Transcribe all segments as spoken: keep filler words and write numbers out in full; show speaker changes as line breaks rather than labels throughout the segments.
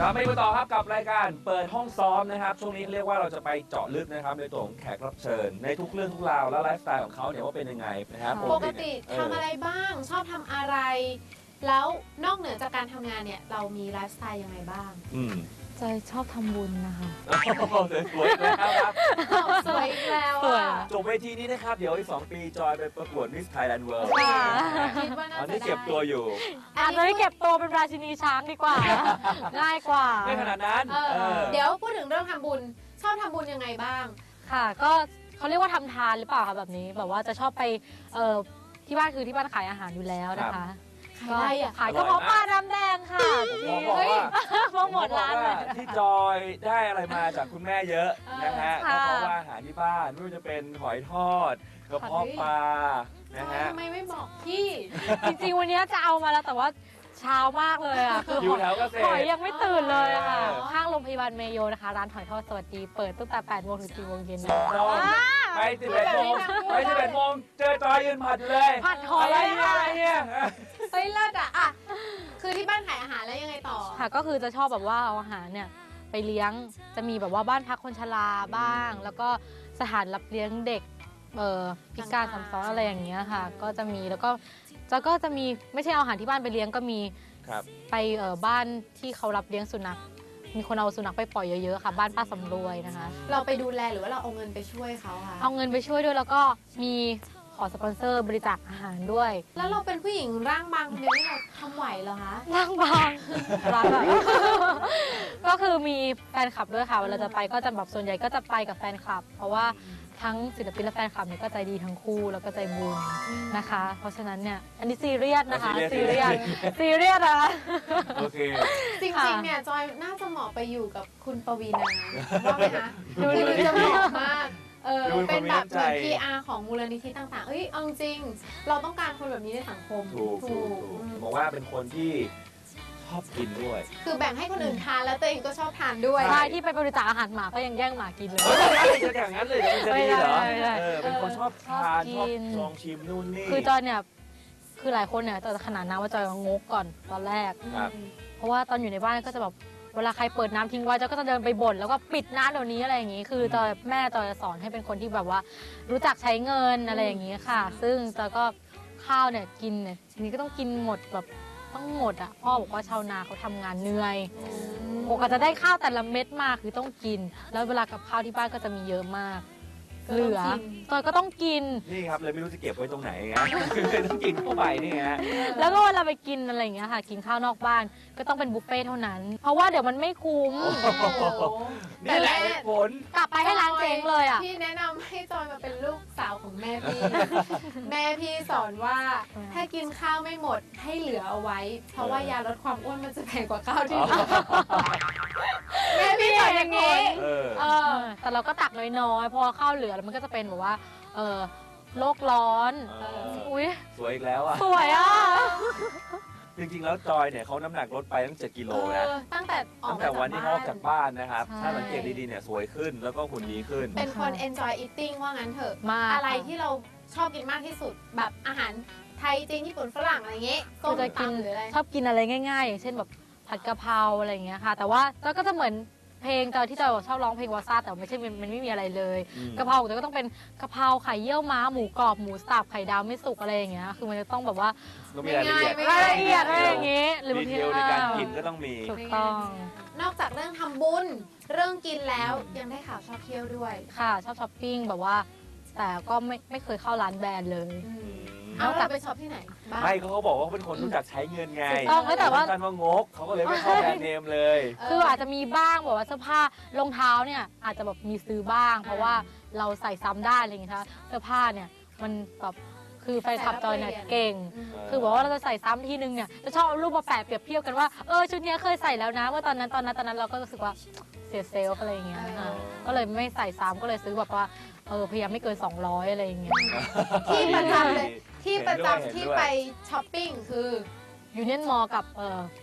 ครับไม่มาต่อครับกับรายการเปิดห้องซ้อมนะครับช่วงนี้เรียกว่าเราจะไปเจาะลึกนะครับในตัวของแขกรับเชิญในทุกเรื่องทุกราวและไลฟ์สไตล์ของเขาเนี่ยว่าเป็นยังไงนะครับ
ปกติทำอะไรบ้างชอบทำอะไรแล้วนอกเหนือจากการทำงานเนี่ยเรามีไลฟ์สไตล์ยังไงบ้าง
อืม
จอยชอบทำบุญนะคะ
สวยแล้วครับ
สวยอีกแล้ว
สวย
อ่ะ
จบเวทีนี้นะครับเดี๋ยวอีกสองปีจอยไปประกวดมิสไทยแลนด์เวิลด์
ค่ะ
คิดว่าน่า
ตอน
จะ
นี้
ได้
เก็บตัวอยู่
อาจจะไม่เก็บตัวเป็นราชินีช้างดีกว่า ง่ายกว่า
ไม่ขนาดนั้น
เออ
เออ
เดี๋ยวพูดถึงเรื่องทำบุญชอบทำบุญยังไงบ้าง
ค่ะ ก็เขาเรียกว่าทำทานหรือเปล่าคะแบบนี้ แบบว่าจะชอบไปเอ่อที่บ้านคือที่บ้านขายอาหารอยู่แล้วนะคะ
ขายอะไรอ่ะ
ขายกระเพาะปลาน้ำแดงค่ะ
ผมบอกว่า
โปรโมทร้านเลย
ที่จอยได้อะไรมาจากคุณแม่เยอะนะฮะ
ค่ะ
ก็เพราะว่าอาหารที่บ้านไม่ว่าจะเป็นหอยทอดกระเพาะปลานะฮะ
ทำไมไม่บอกพี่
จริงๆวันนี้จะเอามาแล้วแต่ว่าเช้ามากเลยอ่ะคือ
อยู่แถวเกษตร
หอยยังไม่ตื่นเลยอะค่ะ
อ๋อ
ข้างโรงพยาบาลเมโยนะคะ ร้านหอยทอดสวัสดีเปิดตั้งแต่แปดโมงถึงสี่โมงเย็นนะ
จอยไปสิบเอ็ดโมงไปสิบเอ็ดโมงเจอจอยยืนผัดอยู่เลย
ผัดหอย
อะไรเนี่ยอะไรเนี่ย
เฮ้ยเลิศอ่ะอ่ะคือที่บ้านขายอาหารแล้วยังไงต่อ
ค่ะก็คือจะชอบแบบว่าเอาอาหารเนี่ยไปเลี้ยงจะมีแบบว่าบ้านพักคนชราบ้าง แล้วก็สถานรับเลี้ยงเด็กเอ่อพิการซ้ำซ้อนอะไรอย่างเงี้ยค่ะ ก็จะมีแล้วก็จะก็จะมีไม่ใช่เอาอาหารที่บ้านไปเลี้ยงก็มี
ครับ
ไปเอ่อบ้านที่เขารับเลี้ยงสุนัขมีคนเอาสุนัขไปปล่อยเยอะๆค่ะ บ้านป้าสำรวยนะคะ
เราไปดูแลหรือว่าเราเอาเงินไปช่วยเขาคะ
เอาเงินไปช่วยด้วยแล้วก็มีขอสปอนเซอร์บริจาคอาหารด้วย
แล้วเราเป็นผู้หญิงร่างบางคนเดียวนี่เราทำไหวเหรอคะ
ร่างบางรักอะ ก็คือมีแฟนคลับด้วยค่ะเวลาจะไปก็จะแบบส่วนใหญ่ก็จะไปกับแฟนคลับ เพราะว่าทั้งศิลปินและแฟนคลับเนี่ยก็ใจดีทั้งคู่แล้วก็ใจบุญนะคะ เพราะฉะนั้นเนี่ยอันนี้ซีเรียสนะคะซีเรียสซีเรียสนะคะ
โอเค
จริงๆ เนี่ยจอยน่าจะเหมาะไปอยู่กับคุณปวีนาว่าไหมคะ
ดู
คือ
ดู
จะเหมาะมาก เออ
ดูเป็นคน
เป็นแบบ
มีน้ำใจ
เหมือน พี อาร์ ของมูลนิธิต่างๆ เอ้ยเอาจริง เราต้องการคนแบบนี้ในสังคม
ถูกถูกถูก
อืม
บอกว่าเป็นคนที่ชอบกินด้วย
คือแบ่งให้คนอื่นทานแล้วตัวเองก็ชอบทานด้วย
ใช่ที่ไปบริจาคอาหารหมาก็ยังแย่งหมากินเลย
เฮ้ยจะอย่างนั้นเลยจะดีเหรอ
ไม่ได้ไม่ได้
เออเป็นคนชอบทาน
ช
ช
อ
อ
บบ กิน
ลองชิมนู่นนี่
คือจอยเนี่ยคือหลายคนเนี่ยจะขนาดน้ำว่าจอยงกก่อนตอนแรก
ครับ
เพราะว่าตอนอยู่ในบ้านก็จะแบบเวลาใครเปิดน้ำทิ้งไว้จอยก็จะเดินไปบ่นแล้วก็ปิดน้ำเดี๋ยวนี้อะไรอย่างนี้ คือจอยแม่จอยจะสอนให้เป็นคนที่แบบว่า รู้จักใช้เงินอะไรอย่างนี้ค่ะ ซึ่งจอยก็ข้าวเนี่ยกินเนี่ยทีนี้ก็ต้องกินหมดแบบต้องหมดอ่ะพ่อบอกว่าชาวนาเขาทำงานเหนื่อยปกติจะได้ข้าวแต่ละเม็ดมาคือต้องกิน แล้วเวลากับข้าวที่บ้านก็จะมีเยอะมาก เหลือจอยก็ต้องกิน
นี่ครับเลยไม่รู้จะเก็บไว้ตรงไหนไงเลยต้องกินเข้าไปนี่ฮะ
แล้วก็เวลาไปกินอะไรอย่างเงี้ยค่ะ กินข้าวนอกบ้านก็ต้องเป็นบุฟเฟ่ต์เท่านั้น เพราะว่าเดี๋ยวมันไม่คุ้ม
โอ้โหนี่แหละเหตุผล
กลับไปให้ร้านเจ๊งเลยอ่ะ
พี่แนะนำให้จอยมาเป็นลูกสาวของแม่พี่ แม่พี่สอนว่า
อืม
ถ้ากินข้าวไม่หมดให้เหลือเอาไว้ เพราะว่ายาลดความอ้วนมันจะแพงกว่าข้าวที่ทำแม่พี่สอนอย่างนี้
เออ
เออ
แต่เราก็ตักน้อยๆพอข้าวเหลือแล้วมันก็จะเป็นแบบว่าเออโลกร้อน
เออ
อุ้ย
สวยอีกแล้วอ่ะ
สวยอ่ะ
จริงๆแล้วจอยเนี่ยเขาน้ำหนักลดไปตั้งเจ็ดกิโลนะ
เออตั้งแต่ออก
ตั้ง
มา
แต่
จาก
วันที่เขาออก
บ้า
จากบ้านนะครับ
ใช่
ถ้าสังเกตดีๆเนี่ยสวยขึ้นแล้วก็หุ่นดีขึ้น
เป็นคน enjoy eating ว่างั้นเถอะ
มาก
อะไรที่เราชอบกินมากที่สุด แบบอาหารไทยจีนญี่ปุ่นฝรั่งอะไรอย่างเงี้ยส้
คื
ม
อจะกิน
ตำหรืออะไร
ชอบกินอะไรง่ายๆ อย่างเช่นแบบผัดกะเพราอะไรอย่างเงี้ยค่ะ แต่ว่าจอยก็จะเหมือนเพลงจอยที่จอยชอบร้องเพลงวาซาแต่ไม่ใช่มันมันไม่มีอะไรเลย
อืม
กะเพราของจอยก็ต้องเป็นกะเพราไข่เยี่ยวม้าหมูกรอบหมูสับไข่ดาวไม่สุกอะไรอย่างเงี้ยคือมันจะต้องแบบว่า
ต้องมีรายละเอียด
ไม่
ราย
ง่
ละเอียดอะไรอย่างงี้หรือ
ดี
บาง
เท
ที
ลในการกินก็ต้องมี
ถูกต้อง
นอกจากเรื่องทำบุญเรื่องกินแล้วยังได้ข่าวชอบเที่ยวด้วย
ค่ะชอบช้อปปิ้งแบบว่า แต่ก็ไม่ไม่เคยเข้าร้านแบรนด์เลย
เอาเราไปช็อปที่ไหนบ้าง
ไม่เขาบอกว่าเขาเป็นคนรู้จักใช้เงินไง
ถูกต้องแต่ว่า
ท่านว่างกเขาก็เลยไม่เข้าแบรนด์เนมเลย
คืออาจจะมีบ้างแบบว่าเสื้อผ้ารองเท้าเนี่ยอาจจะแบบมีซื้อบ้าง เพราะว่าเราใส่ซ้ำได้อะไรอย่างเงี้ยค่ะเสื้อผ้าเนี่ยมันแบบคือแฟนคลับจอยเนี่ยเก่ง คือบอกว่าเราจะใส่ซ้ำทีนึงเนี่ยจะชอบเอารูปมาแปะเปรียบเทียบกันว่าเออชุดเนี้ยเคยใส่แล้วนะว่าตอนนั้นตอนนั้นตอนนั้นเราก็รู้สึกว่าเสียเซลล์อะไรอย่างเงี้ยค่ะก็เลยไม่ใส่ซ้ำก็เลยซื้อแบบว่าเออพยายามไม่เกินสองร้อยอะไรอย่างเงี้ย
ที่ประจำเลยที่ประจำ
เห็นด้วย
ที่ไปช้อปปิ้งคือ
ยูเนียนมอลกับเออ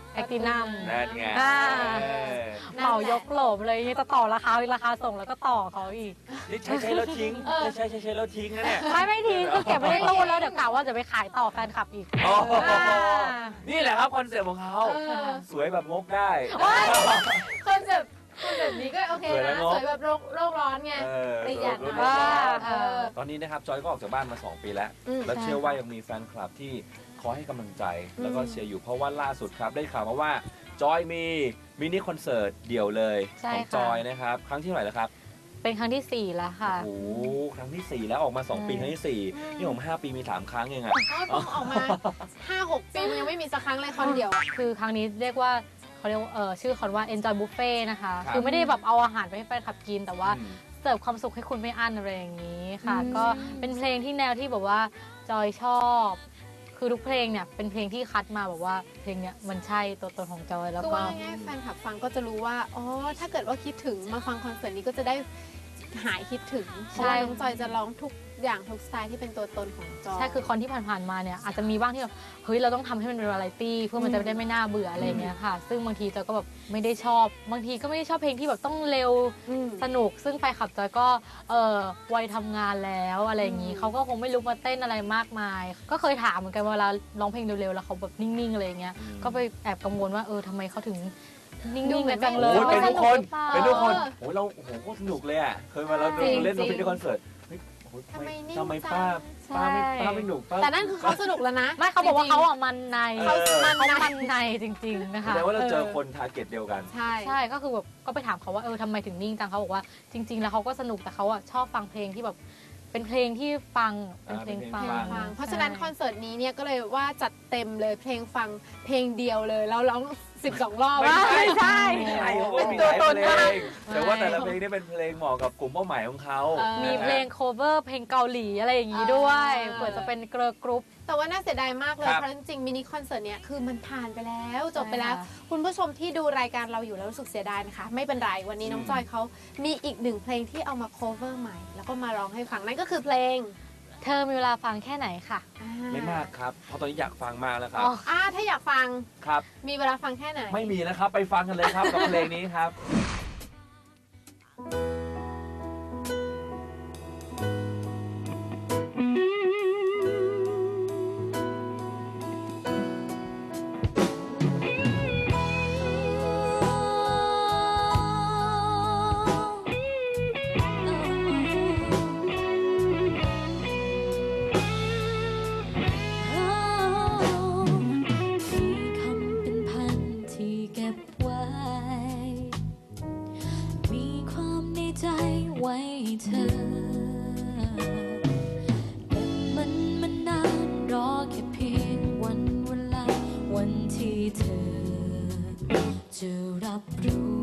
แพลตินัม
นั่นไง
อ่า
เออ
เหมายกโหลบเลยนี่จะต่อราคาราคาส่งแล้วก็ต่อเขาอีก
นี่ใช้ใช้แล้วทิ้งใช้ใช้ใช้แล้วทิ้งนะเนี่ย
ไม่ไม่ทิ้งคือเก็บไว้ในตู้แล้วเดี๋ยวกะว่าจะไปขายต่อแฟนคลับอีก
โอ้โห
อ่า
นี่แหละครับคอนเซ็ปต์ของเขา
เออ
สวยแบบงกได้
คอนเซ็ปต์คอนเซ็ปต์นี้ก็โอเค
สวยแล้
นะ
วเนอะ
สวยแบบโลกโลกร้อนไง
เออ
ประหยัดหน่อย
ว่า
เออ
ตอนนี้นะครับจอยก็ออกจากบ้านมาสองปีแล้ว
อืม
แล้วเชื่อว่ายังมีแฟนคลับที่คอยให้กำลังใจ แล้วก็เชียร์อยู่เพราะว่าล่าสุดครับ ได้ข่าวมาว่าจอยมีมินิคอนเสิร์ตเดี่ยวเลย
ใช่
ของ
ค่ะ
จอยนะครับ ครั้งที่เท่าไหร่แล้วครับ
เป็นครั้งที่สี่แล้วค่ะ
โอ้โหครั้งที่สี่แล้วออกมาสองปีครั้งที่สี่นี่ผมห้าปีมีสามครั้งเองอะ
อ๋อเพิ่งออกมา ห้าหกปีมันยังไม่มีสักครั้งเลยคอนเดียว
คือครั้งนี้เรียกว่าเขาเรียกว่าเออชื่อคอนว่า enjoy buffet นะคะ
ครับ
คือไม่ได้แบบเอาอาหารไปให้แฟนคลับกิน แต่ว่า
อืม
เสิร์ฟความสุขให้คุณไม่อั้นอะไรอย่างนี้ค่ะ
อืม
ก็เป็นเพลงที่แนวที่แบบว่าจอยชอบ คือทุกเพลงเนี่ยเป็นเพลงที่คัดมาแบบว่าเพลงเนี้ยมันใช่ตัวตนของจอยแล้ว
คือ
ก็
ว่าง่ายๆแฟนคลับฟังก็จะรู้ว่า อ๋อ ถ้าเกิดว่าคิดถึงมาฟังคอนเสิร์ตนี้ก็จะได้หายคิดถึง เพราะว่าน้องจอยจะร้องทุกอย่างทุกสไตล์ที่เป็นตัวตนของจอย
ใช่คือคนที่ผ่านๆมาเนี่ยอาจจะมีบ้างที่แบบเฮ้ยเราต้องทำให้มันเป็นวาไรตี้เพื่อมันจะได้ไม่น่าเบื่ออะไรอย่างเงี้ยค่ะ ซึ่งบางทีจอยก็แบบไม่ได้ชอบบางทีก็ไม่ได้ชอบเพลงที่แบบต้องเร็ว
อืม
สนุก ซึ่งแฟนคลับจอยก็เออวัยทำงานแล้วอะไรอย่างนี้
อืม
เขาก็คงไม่รู้มาเต้นอะไรมากมาย ก็เคยถามเหมือนกันเวลาร้องเพลงเร็วๆแล้วเขาแบบนิ่งๆอะไรอย่างเงี้ย
อืม
ก็ไปแอบกังวลว่าเออทำไมเขาถึงนิ่
ดู
ง
เห
ๆ
มื
กั
อน
นจังเลย
โอ้ยเป็นทุกคน
ไม่สหรือปล่า
เป็นทุกคน
เออ
โอ้ยเราโอ้โหโคตรสนุกเลยอ่ะ เคยมาเรา
จริง
เล่น
จริ
ด
ง
นตรีคอนเสิร์ตเฮ้ยโอ้โห
ทำไมนิ่ง
ทำไม
จัง
ป้าป้าไม่
ใช่
ป้าไม่หนุกป้า
แต่นั่นคือเขาสนุกแล้วนะ
ไม่เขาบอกว่าเขาอ่ะมันใน
เออ
เขามันในจริงๆนะคะ
แสดงว่าเราเจอคนทาร์เก็ตเดียวกัน
ใช่
ใช่ก็คือแบบก็ไปถามเขาว่าเออทำไมถึงนิ่งจังเขาบอกว่าจริง ๆ แล้วเขาก็สนุกแต่เขาอ่ะชอบฟังเพลงที่แบบเป็นเพลงที่ฟังเป็นเพลง
อ่าเป็นเพลง
ฟัง
ฟัง
ฟังเพราะฉะนั้นคอนเสิร์ตนี้เนี่ยก็เลยว่าจัดเต็มเลยเพลงฟังเพลงเดียวเลยแล้วร้องสิบสองรอบ
ไม่ใช่
ไม่ใช่
ไม่ใช่เขา
เป็น
มี
ตัว
หลาย
ตน
เพล
มาก
งแต่ว่าแต่ละเพลงนี่เป็นเพลงเหมาะกับกลุ่มเป้าหมายของเขา
เออ
มี
นะฮะ
เพลง cover เพลงเกาหลีอะไรอย่างนี้ด้วย
อ่า
เผื่อจะเป็นเกร์ลกรุ๊ป
แต่ว่าน่าเสียดายมากเลย
ครับ
เพราะจริงๆมินิคอนเสิร์ตเนี้ยคือมันผ่านไปแล้วจบไป
ใช่
แล้ว
ค่ะ
คุณผู้ชมที่ดูรายการเราอยู่แล้วรู้สึกเสียดายนะคะ ไม่เป็นไรวันนี้น้องจอยเขามีอีกหนึ่งเพลงที่เอามา cover ใหม่ แล้วก็มาร้องให้ฟังนั่นก็คือเพลง
เธอมีเวลาฟังแค่ไหนค่ะ
อ่
ไม่มากครับ เพราะตอนนี้อยากฟังมากแล้วครับ
อ๋อ
อ่าถ้าอยากฟัง
ครับ
มีเวลาฟังแค่ไหน
ไม่มีนะครับ ไปฟังกันเลยครับ กับเพลงนี้ครับ
มีคำเป็นพันที่เก็บไว้ มีความในใจไว้ให้เธอ เก็บมันมานานรอแค่เพียงวันเวลาวันที่เธอ จะรับรู้